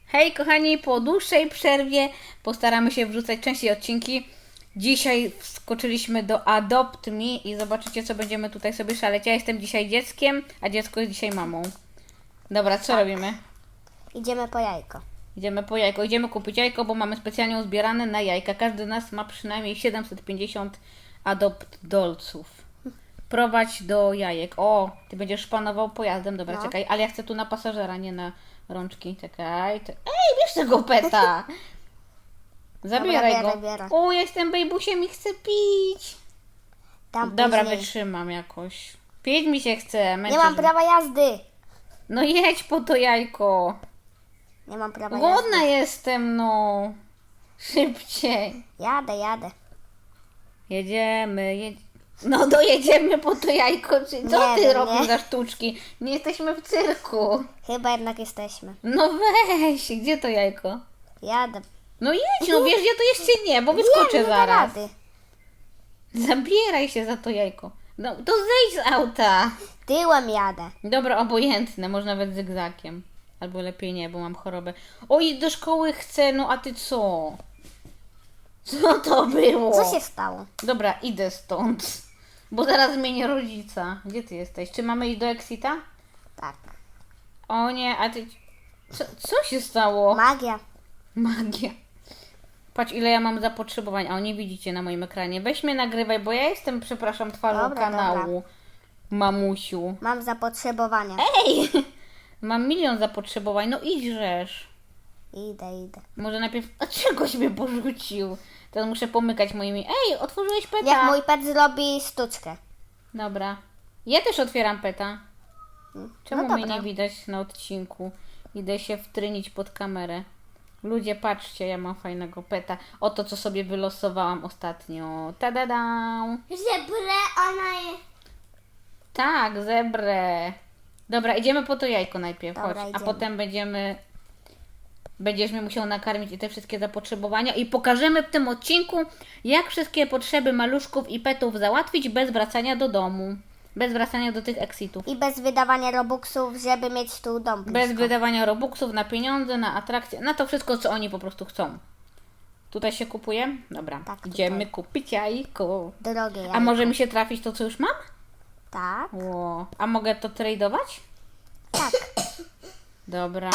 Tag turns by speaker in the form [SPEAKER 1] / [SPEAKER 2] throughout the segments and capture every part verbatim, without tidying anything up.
[SPEAKER 1] Hej kochani, po dłuższej przerwie postaramy się wrzucać częściej odcinki. Dzisiaj wskoczyliśmy do Adopt Me i zobaczycie, co będziemy tutaj sobie szaleć. Ja jestem dzisiaj dzieckiem, a dziecko jest dzisiaj mamą. Dobra, co
[SPEAKER 2] Tak.
[SPEAKER 1] robimy?
[SPEAKER 2] Idziemy po jajko.
[SPEAKER 1] Idziemy po jajko. Idziemy kupić jajko, bo mamy specjalnie uzbierane na jajka. Każdy z nas ma przynajmniej siedemset pięćdziesiąt Adopt Dolców. Prowadź do jajek. O, ty będziesz szpanował pojazdem. Dobra,
[SPEAKER 2] No.
[SPEAKER 1] czekaj, ale ja chcę tu na pasażera, nie na rączki. Czekaj. Te... Ej, bierz tego peta! Zabieraj
[SPEAKER 2] Dobra,
[SPEAKER 1] go.
[SPEAKER 2] biorę, biorę.
[SPEAKER 1] O, ja jestem bejbusiem i chcę pić.
[SPEAKER 2] Tam
[SPEAKER 1] Dobra,
[SPEAKER 2] później.
[SPEAKER 1] wytrzymam jakoś. Pić mi się chce.
[SPEAKER 2] Nie
[SPEAKER 1] męczysz
[SPEAKER 2] mam
[SPEAKER 1] mnie.
[SPEAKER 2] prawa jazdy.
[SPEAKER 1] No jedź po to jajko.
[SPEAKER 2] Nie mam prawa
[SPEAKER 1] Głodna
[SPEAKER 2] jazdy.
[SPEAKER 1] jestem, no. Szybciej.
[SPEAKER 2] Jadę, jadę.
[SPEAKER 1] Jedziemy, jedź... No dojedziemy po to jajko, czy co
[SPEAKER 2] Nie
[SPEAKER 1] ty
[SPEAKER 2] wiem,
[SPEAKER 1] robisz
[SPEAKER 2] nie.
[SPEAKER 1] za sztuczki? Nie jesteśmy w cyrku.
[SPEAKER 2] Chyba jednak jesteśmy.
[SPEAKER 1] No weź, gdzie to jajko?
[SPEAKER 2] Jadę.
[SPEAKER 1] No jedź, no wiesz, ja to jeszcze nie, bo wyskoczę
[SPEAKER 2] nie, nie da
[SPEAKER 1] zaraz.
[SPEAKER 2] rady.
[SPEAKER 1] Zabieraj się za to jajko. No to zejdź z auta.
[SPEAKER 2] Tyłem jadę.
[SPEAKER 1] Dobra, obojętne, może nawet zygzakiem. Albo lepiej nie, bo mam chorobę. Oj, do szkoły chcę, no a ty co? Co to było?
[SPEAKER 2] Co się stało?
[SPEAKER 1] Dobra, idę stąd. Bo zaraz zmienię rodzica. Gdzie ty jesteś? Czy mamy iść do Exita?
[SPEAKER 2] Tak.
[SPEAKER 1] O nie, a ty... Co, co się stało?
[SPEAKER 2] Magia.
[SPEAKER 1] Magia. Patrz, ile ja mam zapotrzebowań, a o nie widzicie na moim ekranie. Weź mnie nagrywaj, bo ja jestem, przepraszam, twarzą
[SPEAKER 2] Dobra,
[SPEAKER 1] kanału. Mamusiu.
[SPEAKER 2] Mam zapotrzebowania.
[SPEAKER 1] Ej! Mam milion zapotrzebowań, no idź rzesz.
[SPEAKER 2] Idę, idę.
[SPEAKER 1] Może najpierw... A czegoś mnie porzucił? Teraz muszę pomykać moimi... Ej, otworzyłeś peta.
[SPEAKER 2] Jak mój pet zrobi sztuczkę.
[SPEAKER 1] Dobra. Ja też otwieram peta. Czemu
[SPEAKER 2] No
[SPEAKER 1] mnie
[SPEAKER 2] dobra.
[SPEAKER 1] nie widać na odcinku? Idę się wtrynić pod kamerę. Ludzie, patrzcie, ja mam fajnego peta. Oto, co sobie wylosowałam ostatnio. Tadada!
[SPEAKER 2] Żebrę, ona jest.
[SPEAKER 1] Tak, zebrę. Dobra, idziemy po to jajko najpierw,
[SPEAKER 2] Dobra,
[SPEAKER 1] chodź. A
[SPEAKER 2] idziemy.
[SPEAKER 1] potem będziemy... Będziesz mnie musiał nakarmić i te wszystkie zapotrzebowania. I pokażemy w tym odcinku, jak wszystkie potrzeby maluszków i petów załatwić bez wracania do domu. Bez wracania do tych exitów.
[SPEAKER 2] I bez wydawania robuxów, żeby mieć tu dom
[SPEAKER 1] Bez
[SPEAKER 2] blisko.
[SPEAKER 1] wydawania robuxów na pieniądze, na atrakcje, na to wszystko, co oni po prostu chcą. Tutaj się kupuje? Dobra,
[SPEAKER 2] Tak,
[SPEAKER 1] idziemy
[SPEAKER 2] tutaj.
[SPEAKER 1] kupić jajko.
[SPEAKER 2] Drogie
[SPEAKER 1] A
[SPEAKER 2] jajko.
[SPEAKER 1] może mi się trafić to, co już mam?
[SPEAKER 2] Tak,
[SPEAKER 1] Ło. A mogę to tradeować?
[SPEAKER 2] tak.
[SPEAKER 1] Dobra.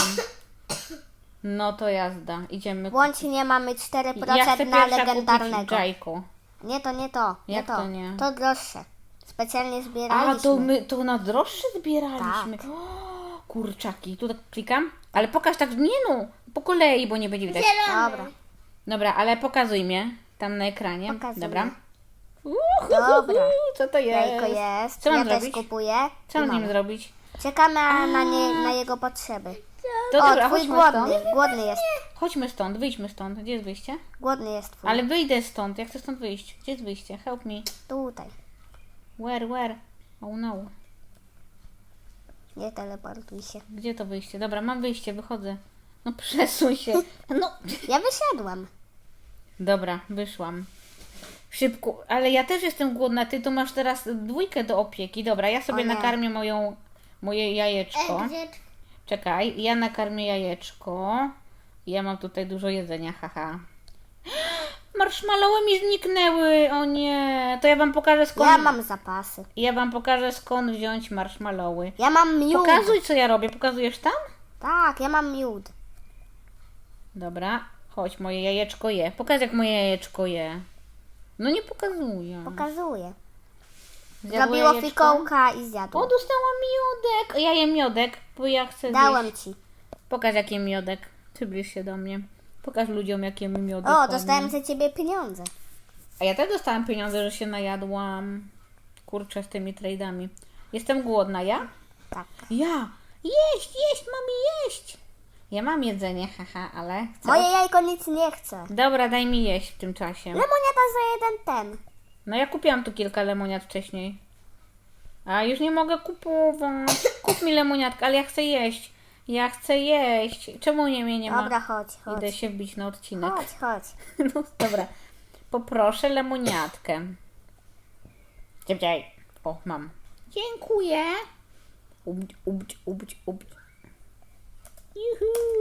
[SPEAKER 1] No to jazda, idziemy.
[SPEAKER 2] Łącznie mamy cztery
[SPEAKER 1] Ja
[SPEAKER 2] procent
[SPEAKER 1] chcę
[SPEAKER 2] na
[SPEAKER 1] pierwsza kupić
[SPEAKER 2] legendarnego.
[SPEAKER 1] jajko.
[SPEAKER 2] Nie to, nie to. Nie
[SPEAKER 1] Jak
[SPEAKER 2] to.
[SPEAKER 1] to nie?
[SPEAKER 2] To droższe. Specjalnie
[SPEAKER 1] A,
[SPEAKER 2] zbieraliśmy.
[SPEAKER 1] to my to na droższe zbieraliśmy.
[SPEAKER 2] Tak.
[SPEAKER 1] O, kurczaki, tu tak klikam. Ale pokaż tak, nie no, po kolei, bo nie będzie widać.
[SPEAKER 2] Dobra.
[SPEAKER 1] Dobra, ale pokazuj mnie tam na ekranie.
[SPEAKER 2] Pokazuję.
[SPEAKER 1] Dobra.
[SPEAKER 2] Dobra.
[SPEAKER 1] Co to jest?
[SPEAKER 2] Jajko jest.
[SPEAKER 1] Co mam
[SPEAKER 2] ja
[SPEAKER 1] zrobić?
[SPEAKER 2] też kupuję.
[SPEAKER 1] Co
[SPEAKER 2] I
[SPEAKER 1] mam z nim
[SPEAKER 2] mamy.
[SPEAKER 1] zrobić?
[SPEAKER 2] Czekamy na, nie, na jego potrzeby.
[SPEAKER 1] To
[SPEAKER 2] O,
[SPEAKER 1] dobra,
[SPEAKER 2] twój
[SPEAKER 1] chodźmy
[SPEAKER 2] głodny.
[SPEAKER 1] stąd.
[SPEAKER 2] Głodny jest.
[SPEAKER 1] Chodźmy stąd, wyjdźmy stąd. Gdzie jest wyjście?
[SPEAKER 2] Głodny jest twój.
[SPEAKER 1] Ale wyjdę stąd, ja chcę stąd wyjść. Gdzie jest wyjście? Help me.
[SPEAKER 2] Tutaj.
[SPEAKER 1] Where, where? Oh no.
[SPEAKER 2] Nie teleportuj się.
[SPEAKER 1] Gdzie to wyjście? Dobra, mam wyjście, wychodzę. No przesuń się. No.
[SPEAKER 2] Ja wyszedłem.
[SPEAKER 1] Dobra, wyszłam. Szybko, ale ja też jestem głodna. Ty to masz teraz dwójkę do opieki. Dobra, ja sobie
[SPEAKER 2] O nie.
[SPEAKER 1] nakarmię moją, moje jajeczko. Czekaj, ja nakarmię jajeczko. Ja mam tutaj dużo jedzenia, haha. Marshmallowy mi zniknęły, o nie. To ja wam pokażę skąd...
[SPEAKER 2] Ja mam zapasy.
[SPEAKER 1] Ja wam pokażę skąd wziąć marshmallowy.
[SPEAKER 2] Ja mam miód.
[SPEAKER 1] Pokazuj, co ja robię. Pokazujesz tam?
[SPEAKER 2] Tak, ja mam miód.
[SPEAKER 1] Dobra, chodź, moje jajeczko je. Pokaż, jak moje jajeczko je. No nie pokazuję.
[SPEAKER 2] Pokazuję.
[SPEAKER 1] Zjadło
[SPEAKER 2] Zrobiło
[SPEAKER 1] jajeczko?
[SPEAKER 2] fikołka i zjadło.
[SPEAKER 1] O, dostałam miodek. Ja jem miodek, bo ja chcę
[SPEAKER 2] Dałem
[SPEAKER 1] zjeść.
[SPEAKER 2] ci.
[SPEAKER 1] Pokaż, jaki miodek. Przybliż się do mnie. Pokaż ludziom, jakie my miodek.
[SPEAKER 2] O,
[SPEAKER 1] mamy.
[SPEAKER 2] dostałem za ciebie pieniądze.
[SPEAKER 1] A ja też dostałam pieniądze, że się najadłam. Kurczę, z tymi trade'ami. Jestem głodna, ja?
[SPEAKER 2] Tak.
[SPEAKER 1] Ja! Jeść, jeść, mam jeść! Ja mam jedzenie, haha, ale chcę...
[SPEAKER 2] Moje jajko nic nie chce.
[SPEAKER 1] Dobra, daj mi jeść w tym czasie.
[SPEAKER 2] Lemoniada za jeden ten.
[SPEAKER 1] No ja kupiłam tu kilka lemoniad wcześniej. A już nie mogę kupować. Kup mi lemoniadkę, ale ja chcę jeść. Ja chcę jeść. Czemu nie mnie nie ma?
[SPEAKER 2] Dobra, chodź, chodź.
[SPEAKER 1] Idę się wbić na odcinek.
[SPEAKER 2] Chodź, chodź.
[SPEAKER 1] No dobra. Poproszę lemoniadkę. Szybciej. O, mam. Dziękuję. Ubć, ubć, ubć, ubć. Juhu.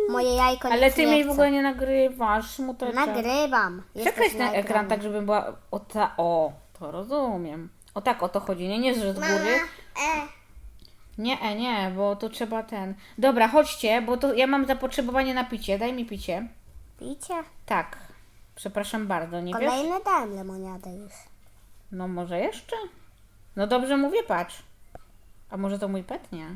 [SPEAKER 2] Moje jajko
[SPEAKER 1] Ale
[SPEAKER 2] nic
[SPEAKER 1] ty
[SPEAKER 2] nie
[SPEAKER 1] mnie
[SPEAKER 2] chce.
[SPEAKER 1] w ogóle nie nagrywasz, smuteczek.
[SPEAKER 2] Nagrywam.
[SPEAKER 1] Przekreś
[SPEAKER 2] Jesteś
[SPEAKER 1] ten ekran
[SPEAKER 2] nagrany.
[SPEAKER 1] tak, żeby była o ta... O, to rozumiem. O tak, o to chodzi, nie, nie, że z góry.
[SPEAKER 2] e.
[SPEAKER 1] Nie, e, nie, bo to trzeba ten... Dobra, chodźcie, bo to ja mam zapotrzebowanie na picie. Daj mi picie.
[SPEAKER 2] Picie?
[SPEAKER 1] Tak. Przepraszam bardzo, nie wiesz?
[SPEAKER 2] Kolejny dałem lemoniadę już.
[SPEAKER 1] No może jeszcze? No dobrze mówię, patrz. A może to mój pet? Nie.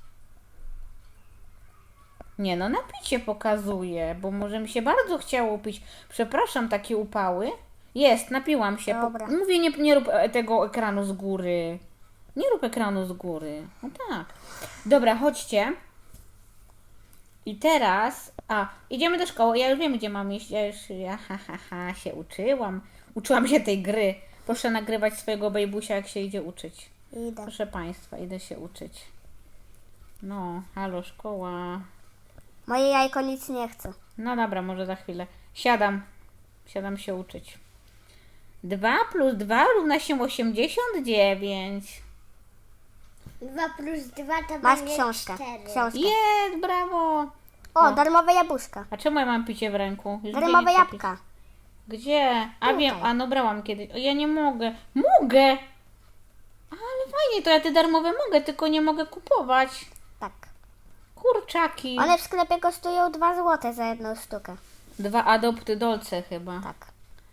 [SPEAKER 1] Nie no, na picie pokazuje, bo może mi się bardzo chciało pić. Przepraszam, takie upały. Jest, napiłam się. Po...
[SPEAKER 2] Dobra.
[SPEAKER 1] Mówię, nie, nie rób e, tego ekranu z góry. Nie rób ekranu z góry. No tak. Dobra, chodźcie. I teraz... A, idziemy do szkoły. Ja już wiem, gdzie mam iść. Ja już ja, ha, ha, ha, się uczyłam. Uczyłam się tej gry. Proszę nagrywać swojego bejbusia, jak się idzie uczyć.
[SPEAKER 2] Idę.
[SPEAKER 1] Proszę Państwa, idę się uczyć. No, halo, szkoła.
[SPEAKER 2] Moje jajko nic nie chce.
[SPEAKER 1] No dobra, może za chwilę. Siadam. Siadam się uczyć. dwa plus dwa równa się osiemdziesiąt dziewięć.
[SPEAKER 3] dwa plus dwa to
[SPEAKER 2] Masz
[SPEAKER 3] będzie
[SPEAKER 2] książkę.
[SPEAKER 3] cztery.
[SPEAKER 2] Książkę.
[SPEAKER 1] Jest, brawo.
[SPEAKER 2] O,
[SPEAKER 1] O.
[SPEAKER 2] darmowe jabłuszka.
[SPEAKER 1] A czemu ja mam picie w ręku? Już
[SPEAKER 2] Darmowe
[SPEAKER 1] zmienić przepis.
[SPEAKER 2] jabłka.
[SPEAKER 1] Gdzie? A
[SPEAKER 2] Tutaj.
[SPEAKER 1] wiem, a no brałam kiedyś. O, ja nie mogę. Mogę! Ale fajnie, to ja te darmowe mogę, tylko nie mogę kupować.
[SPEAKER 2] Tak.
[SPEAKER 1] Kurczaki.
[SPEAKER 2] One w sklepie kosztują dwa złote za jedną sztukę.
[SPEAKER 1] Dwa adopty dolce chyba.
[SPEAKER 2] Tak.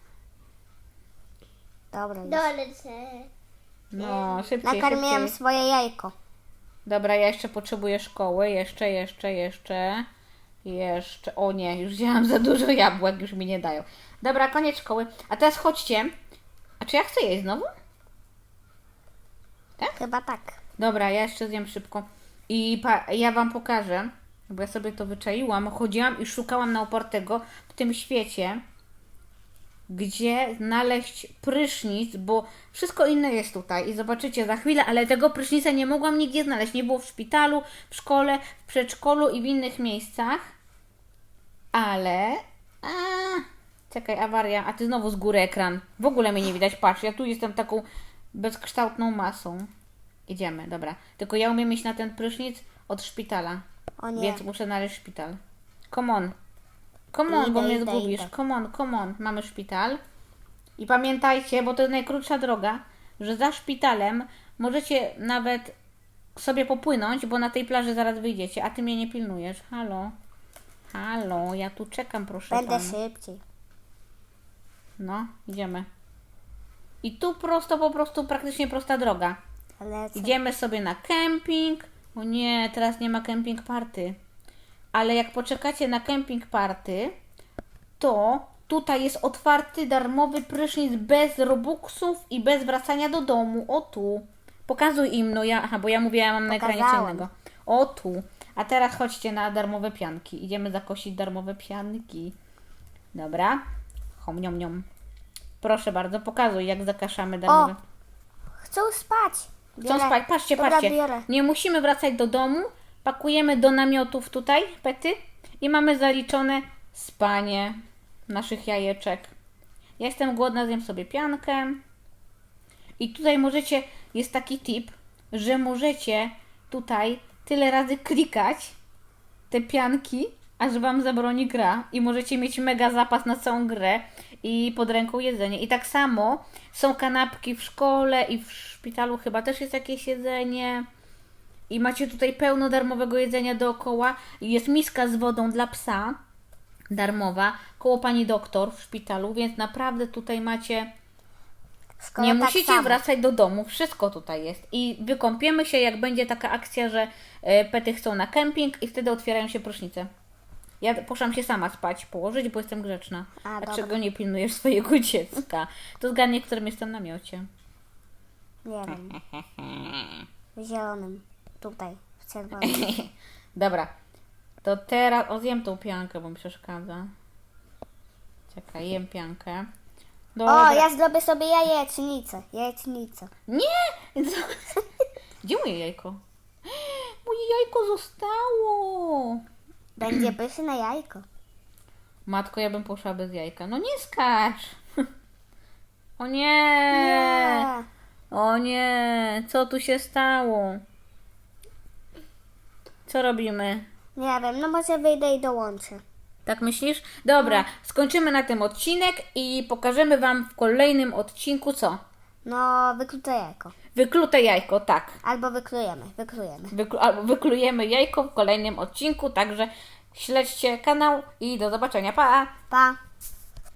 [SPEAKER 2] Dobra, już.
[SPEAKER 3] Dolce.
[SPEAKER 1] No, szybciej,
[SPEAKER 2] Nakarmiłem
[SPEAKER 1] szybciej.
[SPEAKER 2] swoje jajko.
[SPEAKER 1] Dobra, ja jeszcze potrzebuję szkoły. Jeszcze, jeszcze, jeszcze. Jeszcze. O nie, już wzięłam za dużo jabłek, już mi nie dają. Dobra, koniec szkoły. A teraz chodźcie. A czy ja chcę jeść znowu?
[SPEAKER 2] Chyba tak.
[SPEAKER 1] Dobra, ja jeszcze zjem szybko. I pa, ja Wam pokażę, bo ja sobie to wyczaiłam. Chodziłam i szukałam na opartego w tym świecie, gdzie znaleźć prysznic, bo wszystko inne jest tutaj i zobaczycie za chwilę, ale tego prysznica nie mogłam nigdzie znaleźć. Nie było w szpitalu, w szkole, w przedszkolu i w innych miejscach. Ale... A, czekaj, awaria. A Ty znowu z góry ekran. W ogóle mnie nie widać. Patrz, ja tu jestem taką bezkształtną masą. Idziemy, dobra. Tylko ja umiem iść na ten prysznic od szpitala.
[SPEAKER 2] O nie.
[SPEAKER 1] Więc muszę znaleźć szpital. Come on. Come on, bo
[SPEAKER 2] Idę,
[SPEAKER 1] mnie
[SPEAKER 2] idę,
[SPEAKER 1] zgubisz.
[SPEAKER 2] idę.
[SPEAKER 1] Come on, come on. Mamy szpital. I pamiętajcie, bo to jest najkrótsza droga, że za szpitalem możecie nawet sobie popłynąć, bo na tej plaży zaraz wyjdziecie, a ty mnie nie pilnujesz. Halo. Halo, ja tu czekam, proszę
[SPEAKER 2] Będę
[SPEAKER 1] pana.
[SPEAKER 2] szybciej.
[SPEAKER 1] No, idziemy. I tu prosto, po prostu praktycznie prosta droga.
[SPEAKER 2] Lecę.
[SPEAKER 1] Idziemy sobie na kemping. O nie, teraz nie ma kemping party. Ale jak poczekacie na kemping party, to tutaj jest otwarty darmowy prysznic bez robuxów i bez wracania do domu. O tu. Pokazuj im, no ja, aha, bo ja mówię, ja mam na ekranie co
[SPEAKER 2] Pokazałam.
[SPEAKER 1] innego. O tu. A teraz chodźcie na darmowe pianki. Idziemy zakosić darmowe pianki. Dobra. Hom, niom, niom. Proszę bardzo, pokazuj, jak zakaszamy darmowe.
[SPEAKER 2] Chcą spać.
[SPEAKER 1] Chcą
[SPEAKER 2] Biorę.
[SPEAKER 1] spać. Patrzcie,
[SPEAKER 2] Dobra,
[SPEAKER 1] patrzcie.
[SPEAKER 2] biorę.
[SPEAKER 1] Nie musimy wracać do domu. Pakujemy do namiotów tutaj, pety. I mamy zaliczone spanie naszych jajeczek. Ja jestem głodna, zjem sobie piankę. I tutaj możecie, jest taki tip, że możecie tutaj tyle razy klikać te pianki, aż Wam zabroni gra. I możecie mieć mega zapas na całą grę i pod ręką jedzenie. I tak samo są kanapki w szkole i w szpitalu chyba też jest jakieś jedzenie. I macie tutaj pełno darmowego jedzenia dookoła. I jest miska z wodą dla psa, darmowa, koło pani doktor w szpitalu, więc naprawdę tutaj macie...
[SPEAKER 2] W szkole
[SPEAKER 1] Nie
[SPEAKER 2] tak
[SPEAKER 1] musicie
[SPEAKER 2] samo.
[SPEAKER 1] wracać do domu, wszystko tutaj jest. I wykąpiemy się, jak będzie taka akcja, że e, pety chcą na kemping i wtedy otwierają się prysznice. Ja poszłam się sama spać, położyć, bo jestem grzeczna.
[SPEAKER 2] A,
[SPEAKER 1] A
[SPEAKER 2] dobra.
[SPEAKER 1] czego nie pilnujesz swojego dziecka? To zgadnie, w którym jestem w namiocie.
[SPEAKER 2] Nie wiem. W zielonym. Tutaj. W czerwonym.
[SPEAKER 1] Dobra, to teraz... O, zjem tą piankę, bo mi przeszkadza. Czekaj, jem piankę. Dobra.
[SPEAKER 2] O, ja zrobię sobie jajecznicę. Jajecznicę.
[SPEAKER 1] Nie! Co? Gdzie moje jajko? Moje jajko zostało!
[SPEAKER 2] Będzie pyszne jajko.
[SPEAKER 1] Matko, ja bym poszła bez jajka. No nie skacz! O nie!
[SPEAKER 2] Nie.
[SPEAKER 1] O nie! Co tu się stało? Co robimy?
[SPEAKER 2] Nie wiem, no może wyjdę i dołączę.
[SPEAKER 1] Tak myślisz? Dobra, skończymy na tym odcinek i pokażemy Wam w kolejnym odcinku co?
[SPEAKER 2] No, wyklute jajko.
[SPEAKER 1] Wyklute jajko, tak.
[SPEAKER 2] Albo wyklujemy, wyklujemy.
[SPEAKER 1] Wyklu- albo wyklujemy jajko w kolejnym odcinku, także śledźcie kanał i do zobaczenia. Pa!
[SPEAKER 2] Pa!